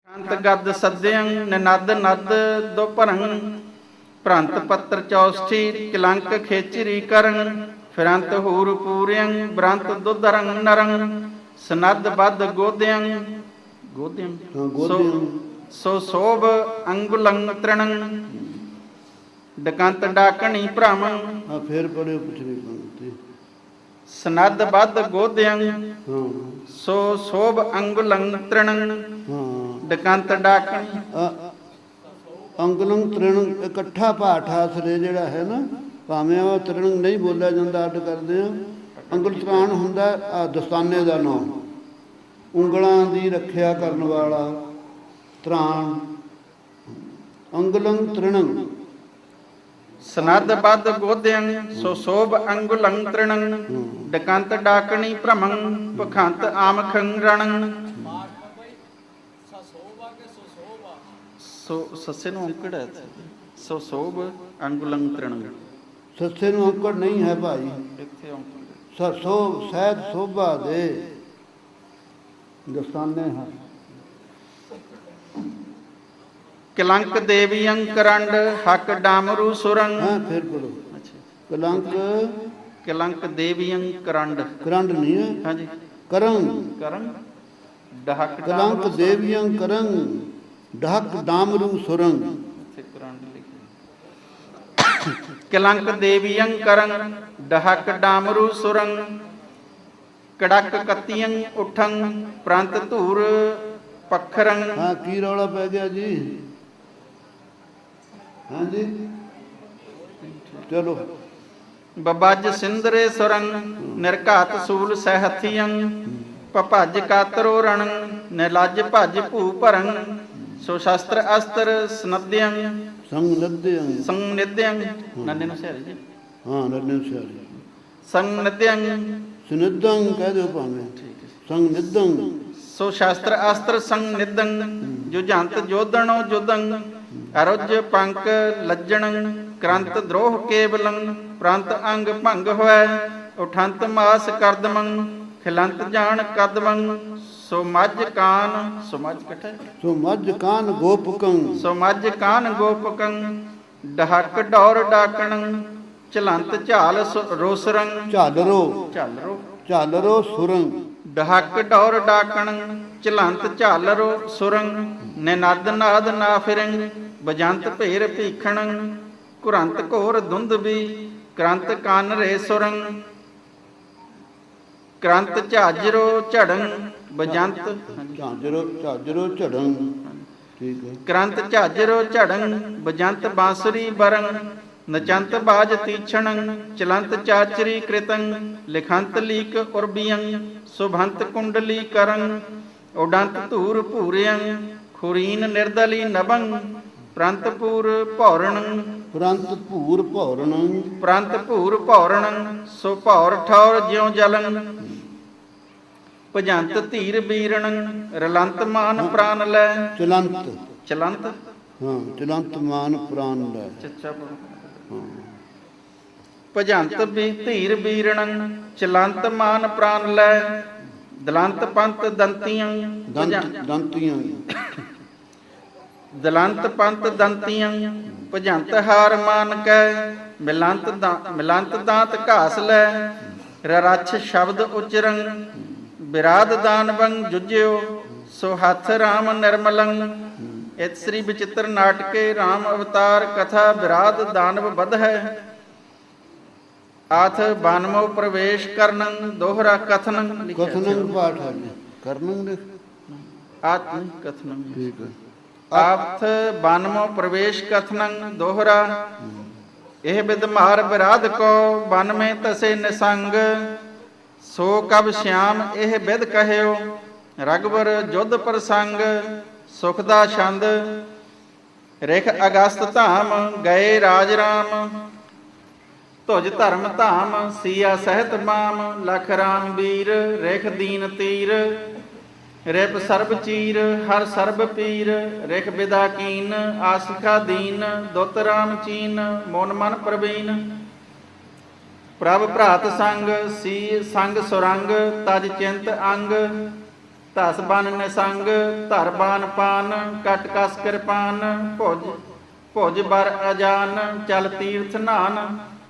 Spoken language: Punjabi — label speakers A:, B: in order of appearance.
A: ਅੰਤ ਗਦ ਸੱਦਿਅੰ ਨਨਦ ਨਦ ਦੁਪਰੰ ਭ੍ਰੰਤ ਪੱਤਰ ਚੌਸਠੀ ਕਿਲੰਕ ਖੇਚਰੀ ਕਰੰ ਫਿਰੰਤ ਹੂਰ ਪੂਰਿਅੰ ਬ੍ਰੰਤ ਦੁਧਰੰ ਨਰੰ ਸਨਦ ਬਦ ਗੋਦਿਅੰ ਗੋਦਿਅੰ ਸੋ ਸੋਭ ਅੰਗੁਲੰ ਤ੍ਰਿਣੰ ਡਕੰਤ ਡਾਕਣੀ ਭ੍ਰਮੰ
B: ਫਿਰ ਪੜਿਓ ਪਿਛਲੀ ਪੰਕਤੀ
A: ਸਨਦ ਬਦ ਗੋਦਿਅੰ ਸੋ ਸੋਭ ਅੰਗੁਲੰ ਤ੍ਰਿਣੰ ਡਕੰਤ ਡਾਕਣੀ
B: ਅੰਗਲੰ ਤ੍ਰਿਣੰ ਇਕੱਠਾ ਪਾਠ ਆਸਰੇ ਜਿਹੜਾ ਹੈ ਨਾ, ਭਾਵੇਂ ਉਹ ਤ੍ਰਿਣੰ ਨਹੀਂ ਬੋਲਿਆ ਜਾਂਦਾ, ਅੱਡ ਕਰਦੇ ਆ। ਅੰਗਲ ਤ੍ਰਾਣ ਹੁੰਦਾ ਦਸਤਾਨੇ ਦਾ ਨਾਮ, ਉਂਗਲਾਂ ਦੀ ਰੱਖਿਆ ਕਰਨ ਵਾਲਾ ਤ੍ਰਾਣ। ਅੰਗਲੰ ਤ੍ਰਿਣੰ
A: ਸਨਦ ਬਦ ਗੋਦਿਅੰ ਸੋ ਸੋਭ ਅੰਗੁਲੰ ਤ੍ਰਿਣੰ ਡਕੰਤ ਡਾਕਣੀ ਭ੍ਰਮੰ ਪਖੰਤ ਆਮਖੰ ਰਣੰ। ਸੋ ਸੱਸੇ ਨੂੰ ਔਂਕੜ ਹੈ, ਸੋ ਸੋਭ ਅੰਗੁਲੰ ਤ੍ਰਿਣੰ।
B: ਸੱਸੇ ਨੂੰ ਔਂਕੜ ਨਹੀਂ ਹੈ ਭਾਈ,
A: ਇੱਥੇ ਔਂਕੜ
B: ਸੋ ਸਹਿਤ ਸੋਭਾ ਦੇ ਦਸਤਾਨੇ ਹਨ।
A: ਕਿਲੰਕ ਦੇਵੀਅੰ ਕਰੰਡ ਹਕ ਡਾਮਰੂ ਸੁਰੰ।
B: ਹਾਂ ਫਿਰ ਪੜੋ। ਕਲੰਕ
A: ਕਿਲੰਕ ਦੇਵੀਅੰ ਕਰੰਡ
B: ਕਰੰਡ ਨਹੀਂ ਹੈ,
A: ਹਾਂਜੀ
B: ਕਰੰ
A: ਕਰੰ ਡਹਕ
B: ਕਲੰਕ ਦੇਵੀਆਂ ਕਰੰ ਢਕ ਡਾਮਰੂ ਸੁਰੰਗ।
A: ਕਿਲੰਕ ਦੇਵੀਅੰ ਕਰੰ ਡਹਕ ਡਾਮਰੂ ਸੁਰੰ ਕੜਕ ਕਤੀਅੰ ਉਠੰ ਪ੍ਰੰਤ ਧੂਰ ਪਖਰੰ।
B: ਹਾਂ ਕੀ ਰੌਲਾ ਪੈ ਗਿਆ ਜੀ? ਹਾਂਜੀ ਚਲੋ।
A: ਬਬਜ ਸਿੰਦਰੇ ਸੁਰੰ ਨਿਰਘਾਤ ਸੂਲ ਸਹਿਥੀਅੰ ਭਜ ਕਾਤਰੋ ਰਣੰ ਨਿਰਲਜ ਭਜ ਭੂ ਭਰੰ ਸੋ ਸ਼ਸਤਰ ਅਸਤਰ ਸਨਦਿਅੰ ਸੰਨਿਧਿਅੰ ਨੰਨੇ ਨੂੰ ਸਿਆਰੀ ਜੀ।
B: ਹਾਂ ਨੰਨੇ ਨੂੰ ਸਿਆਰੀ
A: ਸੰਨਿਧਿਅੰ
B: ਸੁਨਿਧੰ ਕਹਿ ਦਿਓ ਭਾਵੇਂ, ਸੰਨਿਧੰ
A: ਸੋ ਸ਼ਸਤਰ ਅਸਤਰ ਸੰਨਿਧੰ ਜੁਜੰਤ ਜੋਧਣੋ ਜੁਦੰ ਅਰੁਜ ਪੰਕ ਲੱਜਣੰ ਕਰੰਤ ਦਰੋਹ ਕੇਵਲੰ ਪ੍ਰੰਤ ਅੰਗ ਭੰਗ ਹੋਇ ਉਠੰਤ ਮਾਸ ਕਰਦਮੰ ਖਿਲੰਤ ਜਾਣ ਕਦਮੰ ਸੋ ਮੱਝ ਕਾਨ ਸੋ ਮੱਝ ਇਕੱਠਾ
B: ਸੋ ਮੱਝ ਕਾਨ ਗੋਪਕੰ
A: ਸੋ ਮੱਝ ਕਾਨ ਗੋਪਕੰ ਡਹਕ ਡੌਰ ਡਾਕਣੰ ਚਲੰਤ ਝਾਲ ਰੋਸਰੰ
B: ਝਾਲਰੋ
A: ਝਾਲਰੋ
B: ਝਾਲਰੋ ਸੁਰੰਗ
A: ਡਹਕ ਡੌਰ ਡਾਕਣੰ ਚਲੰਤ ਝਾਲਰੋ ਸੁਰੰਗ ਨਿਨਦ ਨਾਦ ਨਾ ਫਿਰੰ ਬਜੰਤ ਭੇਰ ਭੀਖਣੰ ਕੁਰੰਤ ਘੋਰ ਧੁੰਦਬੀ ਕਰੰਤ ਕੰਨ ਰੇ ਸੁਰੰਗ ਕਰੰਤ ਝਾਜਰੋ ਝੜੰ ਬਜੰਤ
B: ਝਾਜਰੋ ਝੜੰ। ਠੀਕ ਹੈ।
A: ਕਰੰਤ ਝਾਜਰੋ ਝੜੰ ਬਜੰਤ ਬਾਂਸੁਰੀ ਬਰੰ ਨਚੰਤ ਬਾਜ ਤੀਛਣੰ ਚਲੰਤ ਚਾਚਰੀ ਕ੍ਰਿਤੰ ਲਿਖੰਤ ਲੀਕ ਉਰਬੀਯੰ ਸੁਭੰਤ ਕੁੰਡਲੀ ਕਰੰ ਉਡੰਤ ਧੂਰ ਭੂਰਿਯੰ ਖੁਰੀਨ ਨਿਰਦਲੀ ਨਭੰ ਪ੍ਰੰਤ ਪੂਰ ਭੌਰਣੰ
B: ਪ੍ਰੰਤ ਭੂਰ ਭੌਰਣੰ
A: ਪ੍ਰੰਤ ਭੂਰ ਭੌਰਣੰ ਸੋ ਭੌਰ ਠੌਰ ਜਿਉ ਜਲੰ ਭਜੰਤ ਧੀਰ ਬੀਰਣੰ ਰਲੰਤ ਮਾਨ ਪ੍ਰਾਨ ਲੈ
B: ਚਲੰਤ
A: ਚਲੰਤ
B: ਹਾਂ ਚਲੰਤ ਮਾਨ ਪ੍ਰਾਨ ਲੈ
A: ਚੱਚਾ ਭਜੰਤ ਵੀ ਧੀਰ ਬੀਰਣੰ ਚਲੰਤ ਮਾਨ ਪ੍ਰਾਨ ਲੈ ਦਲੰਤ ਪੰਤ ਦੰਤੀਆਂ
B: ਦੰਤੀਆਂ
A: ਦਲੰਤ ਪੰਤ ਦੰਤੀਆਂ ਭਜੰਤ ਹਾਰ ਮਾਨ ਕੈ ਮਿਲੰਤ ਦਾਂਤ ਘਾਸ ਲੈ ਰਰਛ ਸ਼ਬਦ ਉਚਰੰ ਬਿਰਾਦ ਦਾਨਵੰ ਜੁਜਿਓ ਸੋ ਹੱਥ ਰਾਮ ਨਿਰਮਲੰ। ਇਤ ਸ੍ਰੀ ਵਿਚਿਤ੍ਰ ਨਾਟਕੇ ਰਾਮ ਅਵਤਾਰ ਕਥਾ ਬਿਰਾਦ ਦਾਨਵ ਬਧ ਹੈ ਆਥ ਬਾਨਮੋ ਪ੍ਰਵੇਸ਼ ਕਰਨੰ ਦੋਹਰਾ ਕਥਨੰ।
B: ਕਥਨੰ ਪਾਠ ਹੈ ਕਰਨੰ ਦੇ
A: ਆਤ ਕਥਨੰ
B: ਠੀਕ ਹੈ।
A: ਆਥ ਬਾਨਮੋ ਪ੍ਰਵੇਸ਼ ਕਥਨੰ ਦੋਹਰਾ ਇਹ ਬਿਦਮਾਰ ਬਿਰਾਦ ਕੋ ਬਨ ਮੇ ਤਸੇ ਨਿਸੰਗ ਸੋ ਕਬ ਸ਼ਿਆਮ ਇਹ ਬਿਦ ਕਹਿਓ ਰਗਵਰ ਜੁਧ ਪ੍ਰਸੰਗ ਸੁਖ ਦਾ ਛੰਦ ਰਿਖ ਅਗਸਤ ਧਾਮ ਗਏ ਰਾਜ ਰਾਮ ਤੁਜ ਧਰਮ ਧਾਮ ਸੀਆ ਸਹਿਤ ਮਾਮ ਲਖ ਰਾਮ ਵੀਰ ਰਿਖ ਦੀਨ ਤੀਰ ਰਿਪ ਸਰਬ ਚੀਰ ਹਰ ਸਰਬ ਪੀਰ ਰਿਖ ਬਿਦਾ ਕੀਨ ਆਸਿਖਾ ਦੀਨ ਦੁੱਤ ਰਾਮ ਚੀਨ ਮੋਨ ਮਨ ਪ੍ਰਵੀਨ ਪ੍ਰਭ ਭਰਾਤ ਸੰਗ ਸੀ ਸੰਗ ਸੁਰੰਗ ਤਜ ਚਿੰਤ ਅੰਗ ਧਸ ਬਨ ਨਿਸੰਗ ਧਰ ਬਾਨ ਪਾਨ ਕਟ ਕਸ ਕਿਰਪਾਨ ਭੁਜ ਭੁਜ ਬਰ ਅਜਾਨ ਚਲ ਤੀਰਥ ਨਾਨ